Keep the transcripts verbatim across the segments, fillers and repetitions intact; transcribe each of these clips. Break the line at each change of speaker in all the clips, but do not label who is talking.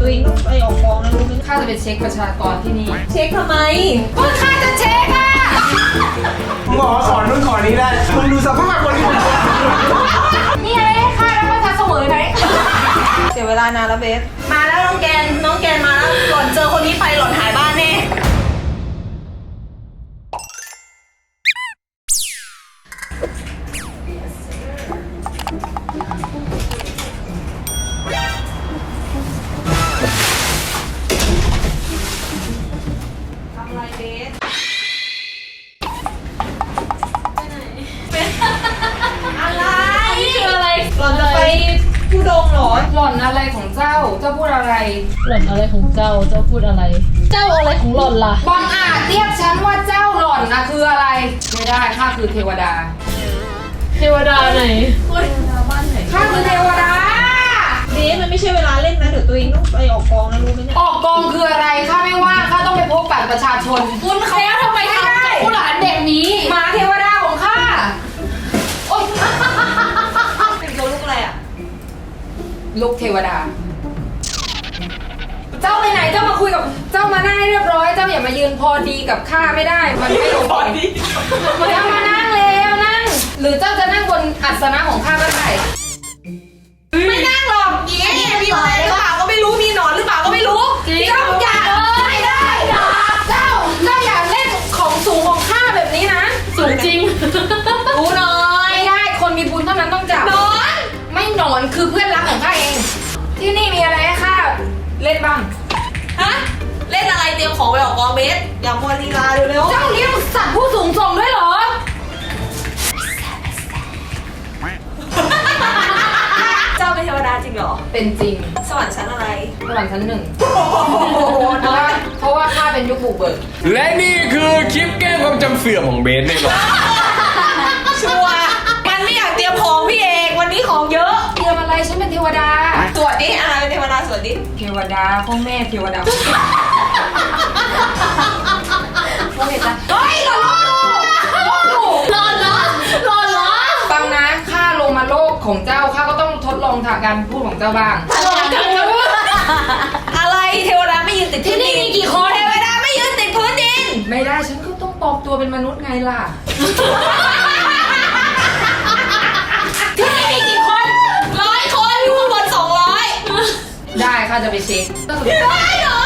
ตัวเองต้องไปออกกองนะรู้ไหม
ข้าจะไปเช็คประชากรที่นี่
เช็คทำไม
ก็ข้าจะเช็คอะ
หมอสอนนู่นสอนนี้ได้มึงดูสภาพคนที่
นี่ไงข้าแล้วก็ทักเสมอไหม
เสียเวลานานแล้วเบสมาแล้วน้องแกนน้องแกนมาแล้วหล่อนเจอคนนี้ไปหล่อนหายบ้านแน่ทำอะไรเบสอะไร
คืออะไร
หล่อนจะไปทุดงเหรอ
หล่อนอะไรของเจ้า เจ้าพูดอะไร
หล่อนอะไรของเจ้า เจ้าพูดอะไร เจ้าอะไรของหล่อนล่ะ
บังอาจเรียกฉันว่าเจ้าหล่อนนะคืออะไร ไม่ได้ข้าคือเทวดา
เทวดาไหน
ข้าคือเทวดา
เบสมันไม่ใช่เวลาเล่นนะเดี๋ยวตัวเองต้องไปออกกองนะรู้ไหมเนี่ย
ออกกองคืออะไรข้าไม่ว่างข้าต้องไปพบบัตรประชาชน
คุณเขาทำไม
ไม่
ทำ
ได้
กับผู้หลานเด็กนี้
หมาเทวดาของข้าโอ๊ย
เป็นตัวลูกอะไรอ่ะ
ลูกเทวดา เจ้าไปไหนเจ้ามาคุยกับเจ้ามานั่งให้เรียบร้อยเจ้าอย่ามายืนพอดีกับข้าไม่ได้มันไม่โอเคเจ้ามานั่งแล้วนั่ง หรือเจ้าจะนั่งบนอัสนะของข้าก็ได้
ไม่นั่งหรอกหญิงเนี่ยมีอะไรหรือเปล่าก็ไม่รู้มีหนอนหรือเปล่าก็ไม่รู้
จริง
เจ้าอย่า
ไม่ได้เจ้าเจ้าอย่าเล่นของสูงของข้าแบบนี้นะ
สูงจริง
รู้หน่อย
ไม่ได้คนมีบุญเท่านั้นต้องจับ
หนอน
ไม่หนอนคือเพื่อนรักของข้าเอง ที่นี่มีอะไรให้ข้าเล่นบ้าง
ฮะเล่นอะไรเตรียมของไปออกกองเบสอย่ามัวลีลาเร็ว
เจ้าเลี้ยงสัตว์ผู้สูงส่งด้วยเหรอ
ๆเจ้าเป็นเทวดาจริงเหรอ
เป็นจริง
สวรรค์ชั้นอะไร
สวรรค์ชั้นหนึ่งเพราะว่าเพราะว่าข้าเป็นยุคบุกเบิก
และนี่คือคลิปแก้ความจำเสื่อมของเบสในหรอ
ชัวร์มันไม่อยากเตรียมของพี่เอกวันนี้ของเยอะ
เตรียมอะไรฉันเป็นเทวดา
สวัสดีอ่ะเป็นเทวดาสวัสดี
เทวดาพ่อแม่เทวดาโอเคจ้ะ
เฮ้ยหลอน
หล่อนเหรอหล่อนเหรอ
ฟังนะข้าลงมาโลกของเจ้าข้าก็ต้องทดลองทางการพูดของเจ้าบ้าง
หล่อนกันนะ
อะไรเทวดาไม่ยืนติดพื้นดิน
ที่นี่มีกี่คน
เทวดาไม่ยืนติดพื้นดิน
ไม่ได้ฉันก็ต้องปลอมตัวเป็นมนุษย์ไงล่ะ
ที่นี่มีกี่คนร้อยคนอยู่ข้างบนสองร้อย
ได้ข้าจะไปเช็ค
ได้เหรอ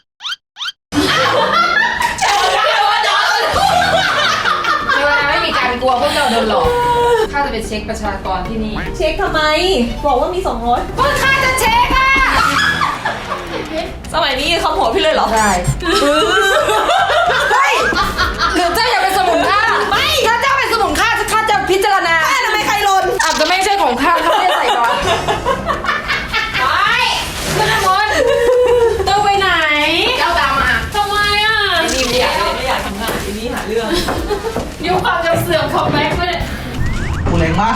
เทวดาเทวดา
เทวดาไม่มีการกลัวพวกเราโดนหลอกข้าจะไปเช็คประชากรที่นี่
เช็คทำไม บอกว่ามีสองร้อย
ก็ข้าจะเช็คอะ
สมัยนี้เขาหัวพี่เลยเหรอ
ได้
เฮ้ย
หรือเจ้าอยากเป็นสมุนข้าไม่ถ้าเจ้าเป็นสมุนข้าข้าจะพิจารณา
แม่ทำไมใครลน
อาจจะไม่ใช่ของข้าข้าไม่ได้ใส่ก่อนไปขึ้นข้างบน
เจ้าไปไหน
เจ้าตามมา
ทำไมอ่ะ
นี่ไม่อยากไม่อยากทำงานทีนี้หาเรื่อง
ยุคความจำเสื่อมของแม็กซ์ไม่ได้
กูแรงมาก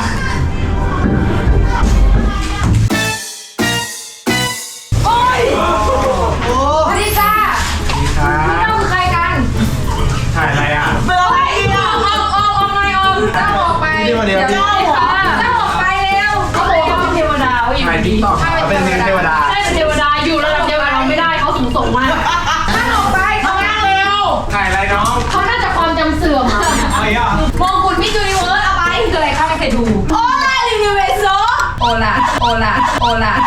โอ้ย
โอ้
สวัสดีจ้า
สวัสดีครับ
เจ้าคือใครกัน
ถ่ายอะไรอ่ะ
เบอร์อะไรอีก
อ
อ่ะ
อกออกออกออกหน่อยออกเจ้าออกไป
เดี๋ยวเดี๋ยว
เจ้าออกเจ้าออกไปเร็ว
เขาบอกว่าเป็นเทวดาว่าอยู่
ถ่ายติ๊ก
ดี
ต็อกเป็นเทวดา
ใช่เป็นเทวดาอยู่ระดับเดียวกับเราไม่ได้เขาสูงส่งมาก
เจ้าออกไปเขานั่งเร็ว
ถ่ายอะไรน้อง
เขาน่าจะความจำเสื่อมอ่ะ
อะไรอ่ะ
มงกุฎมิจูนิเวิร์สเอาไป
คืออะไรข้าไม่เคยดู
โอ้ล่ารีวิวเวโซ
โอลาโอลาโอลา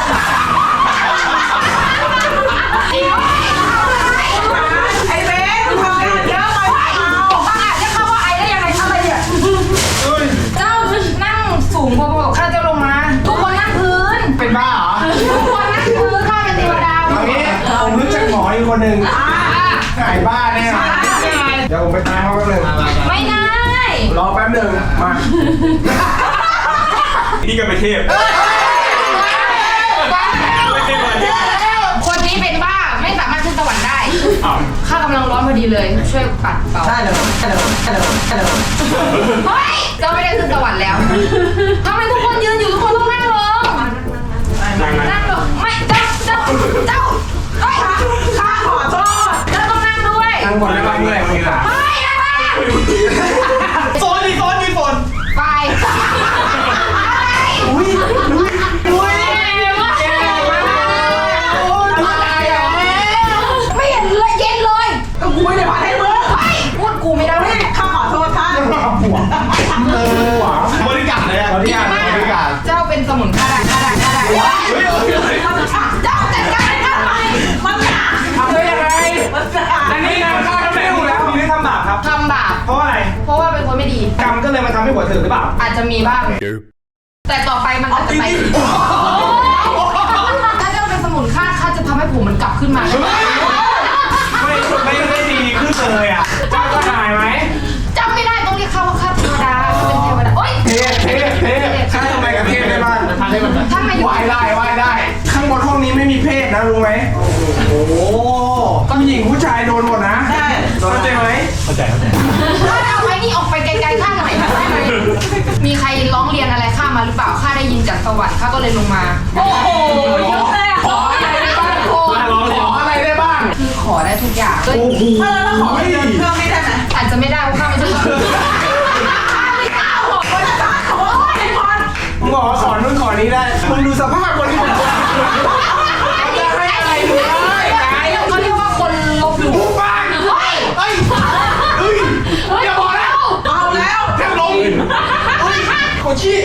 ไอเบสทำงานเยอะไปเปล่า
บ้าจะเข้าว่าไอได้ยังไงทำอะไรเนี่ย
เฮ้ย
เจ้านั่งสูงพอๆกับข้าเจ้าลงมา ทุกคนนั่งพื้น
เป็นบ้าเหรอ
ทุกคนนั่งพื้นข้าเป็นเทวดา
เอางี้ผมรู้จักหมออยู่คนหนึ่งหายบ้าแน่เดี๋ยวผมไปตามเขาแป๊บหนึง
ไม่ได้
รอแป๊บหนึงมา นี่ก็ไปเทพ
คนนี้เป็นบ้าไม่สามารถขึ้นสวรรค์ได้ข้ากำลังร้อนพอดีเลยช่วยปัดเป่า
ได้เลยได้เลยได้เลยได้เลย
เฮ้ยเจ้าไม่ได้ขึ้นสวรรค์แล้วทำไมทุกคนยืนอยู่ทุกคนต้องนั่งลง
นั่งนะ
นั่งลงไม่เจ้าเจ้าเจ้าเฮ้ยข้าขอโทษเจ้าต้องนั่งด้วย
นั่งบนได้ป่ะเมื่อยมืออ่ะ
ไม่นะ
โซนดิโซนดิโซน
ไป
อุ้ยอุ้ยอุ้ย
เก่งมาก
โอ้ย
เจ้าเป็นสมุนค่าได้ค่าได้ค่าได้
เฮ้ยเฮ้ยเฮ้ย
เจ้าจัดการทำไมมันหนา
ทำได้ยังไง
มันหนา
อันนี้นะข้าทำไม่ถูกแล้วนี่ทำบาปครับ
ทำบาป
เพราะอะไร
เพราะว่าเป็นคนไม่ดี
กรรมก็เลยมาทำให้หัวถึงหรือเปล่า
อาจจะมีบ้าง แต่ต่อไปมันอาจจะไปถ้าเจ้าเป็นสมุนค่าข้าจะทำให้ผมมันกลับขึ้นมา
ไม่ไม่ได้ดีขึ้นเลยอ่ะเจ้าก็หายไหม
จำไม่ได้ต้องเรียกข้าว่าข้าเทวดาข้าเป็นเทวดาโอ๊ย
เทพเทพเทพข้าทำอะไรกับเทพได้บ้าง
ถ้ามาอยู่
ไหว้ได้ไหว้ได้ ข้างบนห้องนี้ไม่มีเพศนะรู้ไหมโอ้โหผู้หญิงผู้ชายโดนหมดนะได้เข้าใจไหมเข้าใจเข้าใจ
ข้าเอาไว้นี่ออกไปไกลๆข้าหน่อยได้ไหมมีใครร้องเรียนอะไรข้ามาหรือเปล่าข้าได้ยินจากสวรรค์ข้าก็เลยลงมา
โอ้โหเยอะเลยอ่ะ
ขออะไรได้บ้างขออะไรได้บ้าง
คือขอได้ทุกอย่าง
โอ้โห
เออแล้วขอเงินเพิ่มไม่ได้ไหม
อาจจะไม่ได้เพราะข้าไม่ใช่คน
ไม่กล้าขอคนละบาทขอไอ้พร
มึงบอกว่าขอนู่นขอนี้ได้มึงดูสภาพคนที่มึงจะให้อะไรมึงได้ไง
เขาเรียกว่าคนลบหลู่
ปุ๊บปังเฮ้ยเฮ้ยเฮ้ยอย่าบอกนะ
เอาแล้ว
แทบลงเฮ้ยโคชี่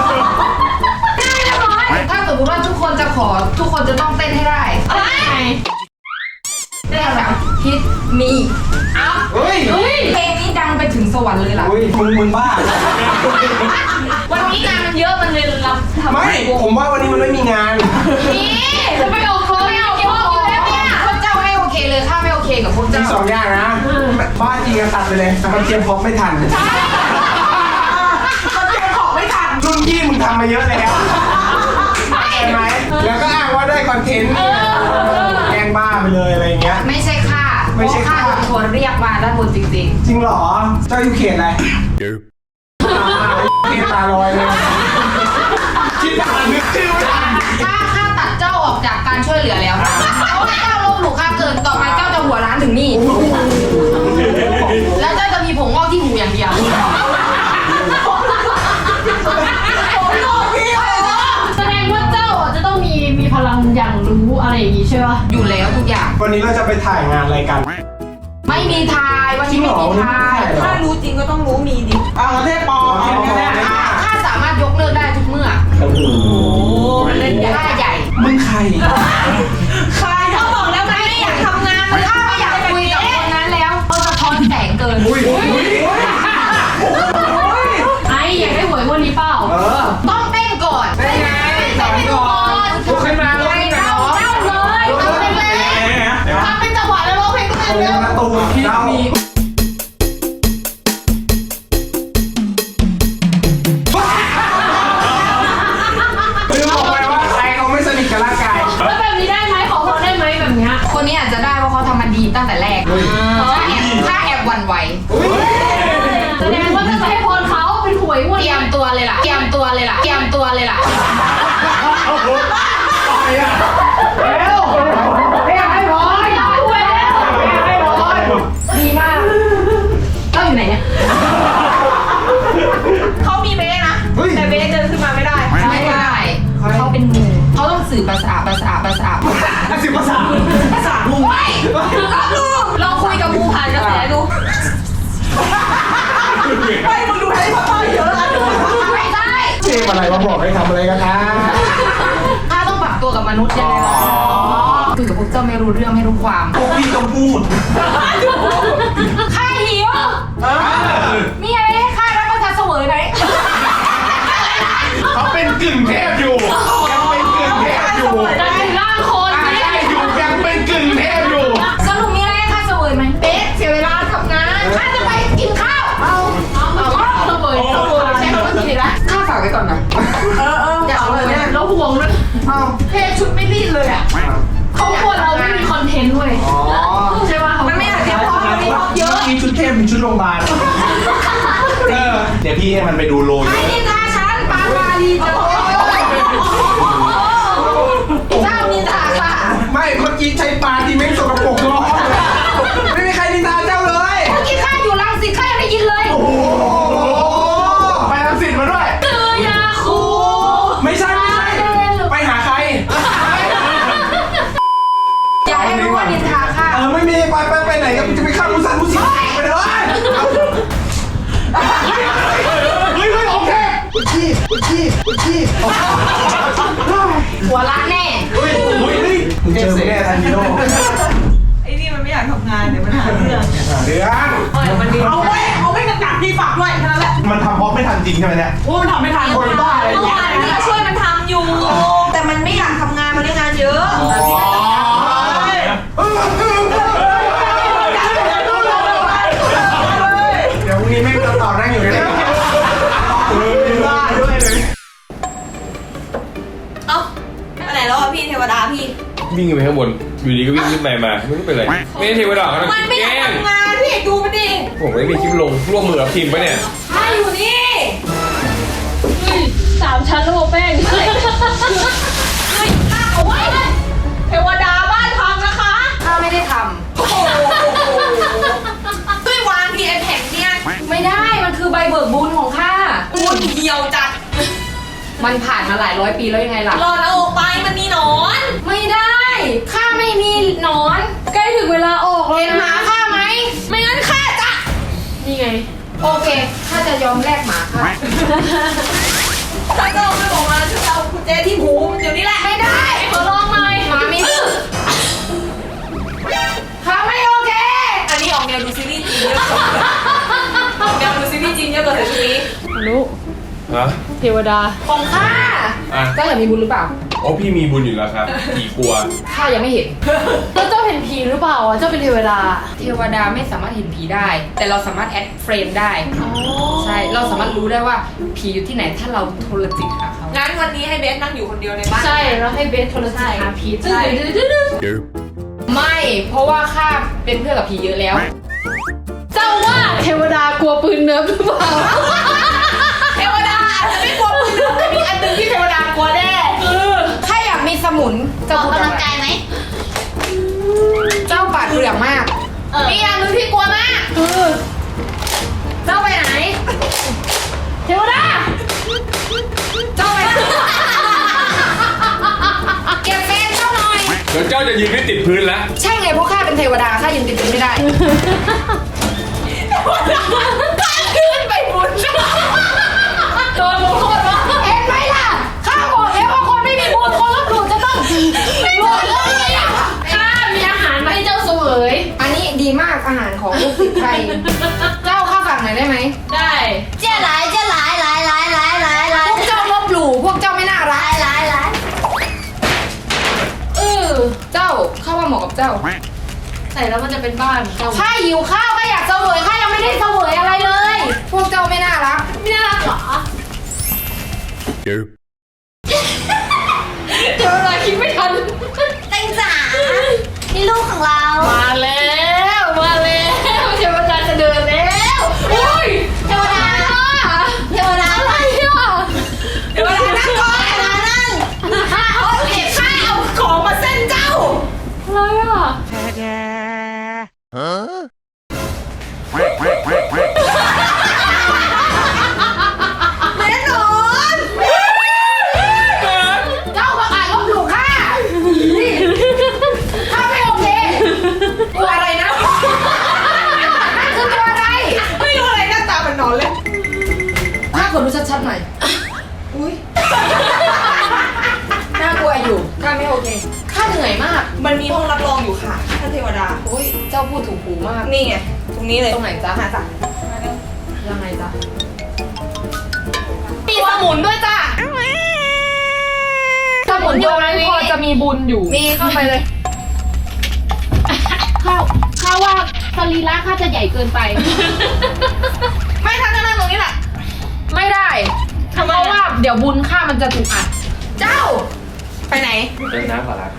ถ้าสมมติว่าทุกคนจะขอทุกคนจะต้องเต้นให้ได้อะไรเต้นแบบฮิตมีอัพ
เฮ้ย
เพลงนี้ดังไปถึงสวรรค์เลยล่ะ
เฮ้ยมึงมึงบ้า
วันนี้งานมันเยอะมันเลยรับทำ
ไม่ผมว่าวันนี้มันไม่มีงาน
นี่จะไม่โอเคไม่โอเคอยู่แล้วเนี่ยพวกเจ้าไม่โอเคเลยข้าไม่โอเคกับพวก
มี
เจ้า
สองอย่างนะบ้าจริงตัดไปเลยแต่มันเตรียมพร้อมไม่ทัน
มันเตรียมของไม่ทัน
รุ่นพี่มึงทำมาเยอะแล้วเห็นไหมแล้วก็อ้างว่าได้คอนเทนต์แกล้งบ้าไปเลยอะไรเงี้ย
ไม่ใช่ข้า
ไม่ใช่ข้า
เพระโดนชวนเรียกมาด้านบนจริง
จริงเหรอ เจ้าอยู่เขตอะไรเขตตาลอยเลยคิดอ่านนึกชื่อไม่ทัน
ๆข้าข้าตัดเจ้าออกจากการช่วยเหลือแล้วนะเพราะว่าเจ้าลบหลู่ข้าเกินต่อไปเจ้าจะหัวร้านถึงนี่ แล้วเจ้าจะมีผมงอกที่หูอย่างเดียว
แสดงว่าเจ้าอ่ะจะต้องมีมีพลังอย่างรู้อะไรอย่างงี้ใช่ปะ
อยู่แล้วทุกอย่าง
วันนี้เราจะไปถ่ายงานอะไรกัน
ไม่มีทายวันนี้ไม่มีทาย
ถ้ารู้จริงก็ต้องรู้มีดิเอาประเทศปอ
ข้าข้าสามารถยกเลิกได้ทุกเมื่อ
โอ้โห
เล่นค่าใหญ่
มึงใคร
ใครเขาบอกแล้วมันไม่อยากทำงาน
ข้าไม่อยากคุยกับคนนั้นแล้วเขาสะท้อนแสงเกิน
อุ้ยอุ้ยอุ้ย
ไออยากได้หวยงวันนี้เปล่า
เออ
ต้องเต้นก่อน
เป็นไงสอนก่อนลุกขึ้นมาลุกขึ้นมา
เต้าเลยทำเป็นเลยทำเป็นจังหวะแล้วร้องเพลงก็
ต
เป็น
รง
เร็ว
ประตูที่มีลืมบอกไปว่าใครเขาไม่สนิทกับร่างกาย
แล้วแบบนี้ได้ไหมขอพรได้ไหมแบบเนี้ย
คนนี้อาจจะได้เพราะเขาทำมันดีตั้งแต่แรกถ้าแอบถ้าแอบหวั่นไหว
แสดงว่าจะให้พรเขาเป็นหวยงวด
เตรียมตัวเลยล่ะ เตรียมตัวเลยล่ะ เตรียมตัวเลยล่ะ
แล้วไม่อยากให้พอ
เอาหวยแล้ว
ไม่อยากให้พอ
ดีมากเจ้าอยู่ไหนเนี่ย
เขามีเบสนะ แต่เบสเดินขึ้นมาไม่ได้
ไม่ได้เขาเป็นงูเขาต้องสื่อภาษาภาษาภาษา
ภาษาภาษา
ภาษาลุง
ลองคุยกับงูผ่านกระแสดู
ไม่มึงดูแฮร์รี่พอตเตอร์เยอะนะ
ไม่ได้
เทพอะไรมาบอกให้ทำอะไรกันนะ
ถ้าต้องปรับตัวกับมนุษย์ยังไงล่ะคุยกับพวกเจ้าไม่รู้เรื่องไม่รู้ความ
พวกพี่ต้องพูด
ข้าหิวมีอะไรให้ข้ารับประทานเสวยไหม
เขาเป็นกึ่งเทพอยู่ยังเป็นกึ่งเทพอยู่
ได้ร่างคน
อ่ะ
เนี่ย
ได้อยู่ยังเป็นกึ่งเทพอยู่
สรุปมีอะไรให้ข้าเสวยไหมเบ๊เสียเวลาทำงานข้าจะไปกินข้าวเอา
เอาเอาเสวยเสวย
ใช้คำว่ากินอีกแล้วข้าฝากไว้ก่อนนะ
เออเออ
อย่าเอาเลยเนี่ย
แล้วห่วงด้วย
เอาเทชุดไม่รีดเลยอ่ะ
เขากลัวเราไม่มีคอนเทนต์เว้ย
อ๋อ
ใช่ป่ะ
มันไม่อยากเรียกพ่อมันมีพ่อเยอะ
มีชุดเทพมีชุดโรงพยาบาลเออเดี๋ยวพี่ให้มันไปดูโล
ไอ้นินทาฉันปาปาลีจะโตเจ้านินทาค่ะ
ไม่เมื่อกี้ใช้ปลาที่เม้งสกปรกร้องไม่มีใครนินทาเจ้าเลย
เมื่อกี้ข้าอยู่รังสิตข้ายังได้ยินเลย
โอ้โหไปรังสิตมาด้วย
คือยาคู
ไม่ใช่ไม่ใช่ไปหาใคร
อย่าให้รู้ว่านินทาค่ะ
เออไม่มีไปไปไปไหนกันจะไปฆ่ามุสันมุสิไปเลยเฮ้ยเฮ้ยโอเคชีพ
หัวล้านแน่
เฮ้ยเฮ้ยมึงเจอกูแน่ทันทีโร่
ไอ้นี่มันไม่อยากทำงานเดี๋ยวมันหาเรื่อง
เดือน
เอาไว้เอาไว้กระกัดพี่ฝากด้วยแค่นั้นแหละ
มันทำเพราะไม่ทันจริงใช่ไหมเนี่ย
โอ้มันทำไม่ทัน
คนบ้าอะไร
เมื่อ
เนี่ย
วานพี่ก็ช่วยมันทำอยู่ แต่มันไม่อยากทำงานมันได้งานเยอะ
เดี๋ยวพรุ่งนี้แม่งจะต่อนั่งอยู่เลยบ้าด้วยเลย
เอ้าไปไหนแล้วอ่ะพี่เทวดาพี่
วิ่งไปข้างบน อยู่ดีก็วิ่งขึ้นไปมา ไม่รู้เป็นไร ไม่ได้เทวดาเขา
มันไม่
แก
อยาก
ล้ง
ทำงานพี่ดูมันดิ
ผมไม่มีคลิปลงร่วมมือกับทีมปะเนี่ย
ถ้าอยู่นี่
เฮ้ยสามชั้นระบบแป้ง
เฮ้ยข้าเอาไว้เทวดาบ้านทำนะคะ
ข้าไม่ได้ท
โอ้โหด้วยวางพีไอแผ่นเนี่ย
ำไม่ได้มันคือใบเบิกบุญของข้า
ปูนเหี่ยวจัด
มันผ่านมาหลายร้อยปีแล้วยังไงล่ะ
รอแล้วออกไปมันมีหนอน
ไม่ได้ข้าไม่มีหนอน
ใกล้ถึงเวลาออกแล้ว
เห็นหมาข้าไหม
ไม่งั้นข้าจะ
นี่ไง
โอเคข้าจะยอมแลกหมาข้า
ถ้าเจ้าไม่บอกมาจะเอากุญแจที่หูเดี๋ยวนี้แหละไม่ได้
ขอลองหน่อย
หมามีข้าไม่โอเค
อันนี้ออกแนวดูซีรีส์จีนเยอะกว่าออกแนวดูซีรีส์จีนเยอะกว่าแต่ชุดนี้
อนุ
ฮะ
เทวดา
ของข้า
อ่ะ
เจ้าอยากมีบุญหรือเปล่า
โอ้พี่มีบุญอยู่แล้วครับผีกลัว
ข้ายังไม่เห็น
แล้วเจ้าเห็นผีหรือเปล่าอ่ะ เจ้าเป็นเทวดา
เทวดาไม่สามารถเห็นผีได้ แต่เราสามารถแอดเฟรมได้ ใช่ เราสามารถรู้ได้ว่าผีอยู่ที่ไหนถ้าเราโทรจิตหาเขา
งั้นวันนี้ให้เบสนั่งอยู่คนเดียวในบ้าน
ใช่แล้วให้เบสโทรศัพท์หาผี
ใช่
ไม่ เพราะว่าข้าเป็นเพื่อนกับผีเยอะแล้ว
เจ้าว่าเทวดากลัวปืนเนิร์ฟหรือเปล่า
เทวดาอาจจะไม่กลัวปืนแต่มีอันหนึงที่เทวดากลัวแน่
ข้าอยากมีสมุนเจ้าพูดอะไรเจ้าปาดเปลือกมาก
มีอย่างหนึงที่กลัวมาก
เจ้าไปไหน
เทวดา
เจ้าไปไหน เก็บแฟนเจ้าหน่อย
เดี๋ยวเจ้าจะยืนไม่ติดพื้นแล้ว
ใช่ไงเพราะข้าเป็นเทวดาข้ายืนติดพื้นไม่ได้
ขึ้นไปบุญ
โดนลงโทษวะ
เห็นไหมล่ะ ข้าบอกแล้วว่าคนไม่มีบุญคนลบหลู่จะต้องหลุดเลยอ่ะ
ข้ามีอาหารมาให้เจ้าเสวย
อันนี้ดีมากอาหารของลูกศิษย์ไทย เจ้าข้าสั่งหน่อยได้ไหม
ได้
เจ้าหลายเจ้าหลายหลายหลายหลายหลายหลา
พ
ยว
กเจ้าลบหลู่พวกเจ้าไม่น่ารัก
หลายหลาย
เออเจ้าข้าว่าเหมาะกับเจ้า
ใส่แล้วมันจะเป็นบ้านเจ้า
ข้าหิวข้าวข้าอยากเสวยข้ายังไม่ได้เสวยอะไรเลย พวกเจ้าไม่น่ารัก
ไม่น่ารักเหรอเทวดาคิดไม่ทัน
เต็งจ๋านี่ลูกของเรา
มาแล้วมาแล้วเทวดาจะเดินแล้วอุ้ย
เทวดาเทวดา
อะไรอ่ะ
เทวดานั่งก่อน
เทวดานั่ง
เอาเก็บข้าเอาของมาเส้นเจ้า
อะไรอ่ะ
แน่นอน
เจ้าประกาศลบหลู่ข้าข้าไม่โอเคตัวอะไรนะนั่นคือตัวอะไร
ไม่รู้อะไรหน้าตามันนอนเลย
ข้าขอดูชัดๆหน่อยอุ้ยน่ากลัวอยู่ข้าไม่โอเคข้าเหนื่อยมาก
มันมีห้องรับรองอยู่ค่ะท่านเทวดา
โอ้ยเจ้าพูดถูกหูมาก
นี่ไง ตรงนี้เลย
ตรงไหนจ๊ะ
หาจ้ะ
ยังไงจ๊ะ
มีสมุนด้วยจ้ะ
สมุนตรงนั้นพอจะมีบุญอยู่
มีเข้าไปเลย
ข้าข้าว่าสรีระข้าจะใหญ่เกินไป
ไม่ทันนั่งตรงนี้แหละ
ไม่ได้เพราะว่าเดี๋ยวบุญข้ามันจะถูกอัด เจ้า
ไปไหน
เล่นน้ำขอรับ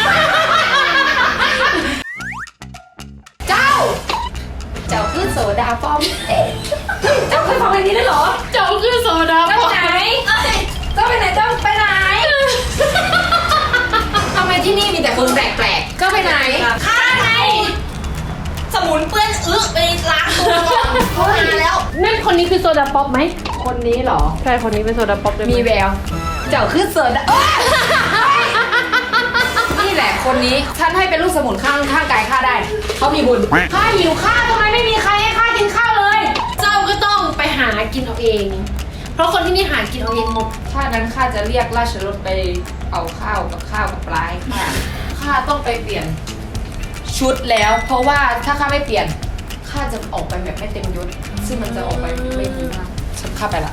เจ้า เจ้าคือโสดาป้อมเอ๊ะเจ้าเคยฟังเพลงนี้ได้วยเหรอ
เจ้าคือโซดา
เจ้าไปไหน เจ้าไปไหน เจ้าไปไหน ทำไมที่นี่มีแต่คนแปลกๆ เจ้าไปไหน
ข้าไงสมุนเปื้อนอึไปล้างตัวก่อนเขาหาแล้ว
นั่นคนนี้คือโซดาป๊อปไหม คนนี้เหรอ ใช่ คนนี้เป็นโซดาป๊อปด้วย
มีแวว เจ้าคือโสดาเอ้ยนี่แหละคนนี้ ฉันให้เป็นลูกสมุนข้างข้างกายข้าได้ เขามีบุญ ข้าหิวข้าวทำไมไม่มีใครให้ข้ากินข้าวเลย
เจ้าก็ต้องไปหากินเอาเองเพราะคนที่นี่หากินเอาเองหมด
ถ้านั้นข้าจะเรียกราชรถไปเอาข้าวกับข้าวกับปลาให้ข้าข้าต้องไปเปลี่ยนชุดแล้ว เพราะว่าถ้าข้าไม่เปลี่ยนข้าจะออกไปแบบไม่เต็มยศซึ่งมันจะออกไปไม่ดีมากฉันข้าไปละ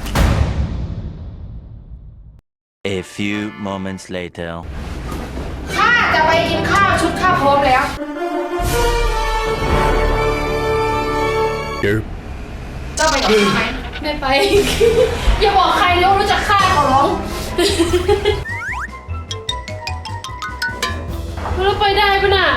A few moments later.
ข้าจะไปกินข้าวชุดข้าพร้อมแล้ว เจ้าไปกับข้าไหม
ไม่ไป อย่าบอกใครเลยว่ารู้จักข้าขอร้องเราไปได้ปะน่ะ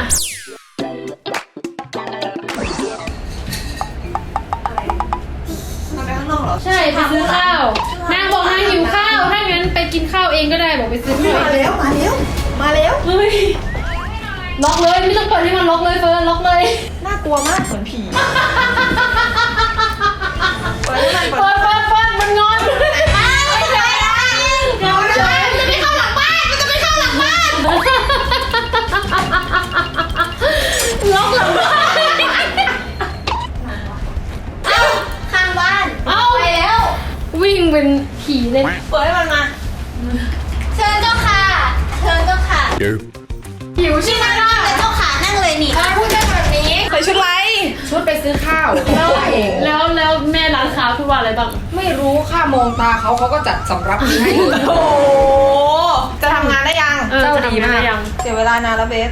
ใช่ไปซื้อข้าวนางบอกนางหิวข้าวถ้างั้นไปกินข้าวเองก็ได้บอกไปซื้อข้าว
มาแล้วมาแล้วมาแล้ว
เฮ้ยล็อกเลยไม่ต้องเปิดให้มันล็อกเลยเฟิร์นล็อกเลย
น่ากลัวมากเหมือนผีเปิดให้มัน
เฟิร์นเฟิร์นเฟิร์นมันงอน
อ้าวไม่ใช่ละเดี๋ยวนะมันจะไม่เข้าหลังบ้านมันจะไม่เข้าหลังบ้าน
ล็อกหลังบ้าน
เอ้าข้างบ้าน
เอ้า
ไปแล้ว
วิ่งเป็นผีเลย
เปิดให้มันมา
เชิญเจ้าค่ะเชิญเจ้าค่ะ
หิวใช่ไหมล่ะ
เจ้าค่ะนั่งเลยนี่
ถ้าพูดได้แบบนี้
ใส่ชุดไร
ชุดไปซื้อข้าว
แล้ว
ตัวเอง
แล้วแล้วแม่ร้านค้าพูดว่าอะไรบ้าง
ไม่รู้ข้ามองตาเขาเขาก็จัดสำรับนี้ให้
โอ้โหจะทำงานได้ยัง
เออ
เจ้า
จะ
ดี
ทำงาน
มาก
ได้ยัง
เสียเวลานานแล้วเบส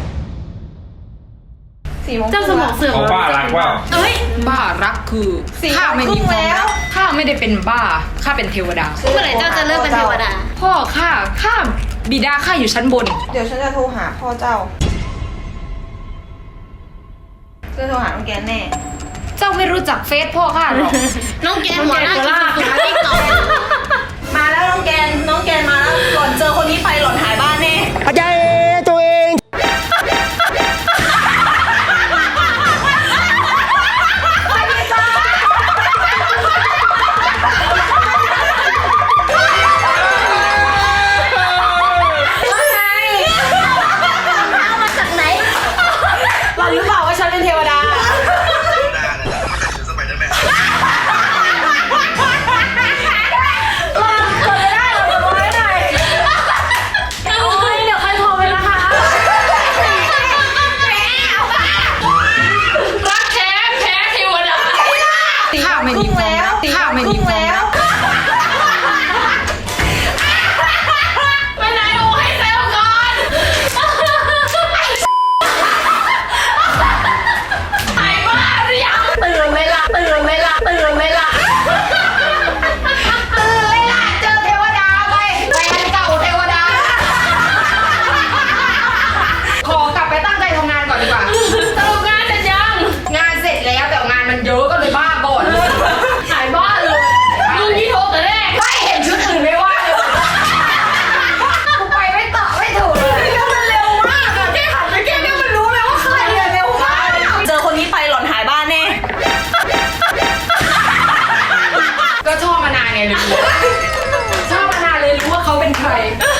สี่โมงค
เจ้าส
รึ่ง
มอ
แล้
ง
ว
เสื่อม
ของป้ารักว่า
เอ้ย
บ้ารักคือ
สี่
ข้าไม่มี
โมงครึ่
ความ
งแล้
รั
ว
กข้าไม่ได้เป็นบ้าข้าเป็นเทวดา
เมื่อไหร่เจ้าจะเลิกเป็นเทวดา
พ่อข้าข้าบิดาข้าอยู่ชั้นบน
เดี๋ยวฉันจะโทรหาพ่อเจ้าจะโทรหาน้องแกนแน่
เจ้าไม่รู้จักเฟซพ่อข้าหรอก
น้องแกหัวหน้ากินสุดติ๊กต็อก
มาแล้วน้องแกนน้องแกนมาแล้วหล่อนเจอคนนี้ไปหล่อนหายบ้านแน่
อาจารย์ตัวเอง
เอามาจากไหน
หล่อนรู้เปล่าว่าฉันเป็นเทวดา
โอ้ยเดี๋ยวใครโทรไปนะคะ
รักแท้แพ้เทวดาข้าไม่มีความรักข้าไม่มีความรัก
ไปไหนโอ้ให้เซลก่อนหายบ้าหรือยังตื่นเลยล่ะตื่นเลยล่ะตื่นเลยล่ะ
ตื่นเลยล่ะเจอเทวดาไปแฟนเก่าเทวดา ขอกลับไปตั้งใจทำงานก่อนดีกว่า
สรุปงานเสร็จยัง
งานเสร็จแล้วแต่งานมันเยอะก็เลยบ้าบ่น
หายบ้าเลยลุงที่โทรแต่แรก
ไม่เห็นชุดอื่นไม่ว่าเลยกูไปไม่ต่อไม่ถูกเลย
มันเร็วมากอะแค่หันไปแค่นี้มันรู้เลยว่าใครอะเร็วมากเจอคนนี้ไปหล่อนหายบ้านแน่
ก็ชอบมานานไงเลยรู้ชอบมานานเลยรู้ว่าเขาเป็นใคร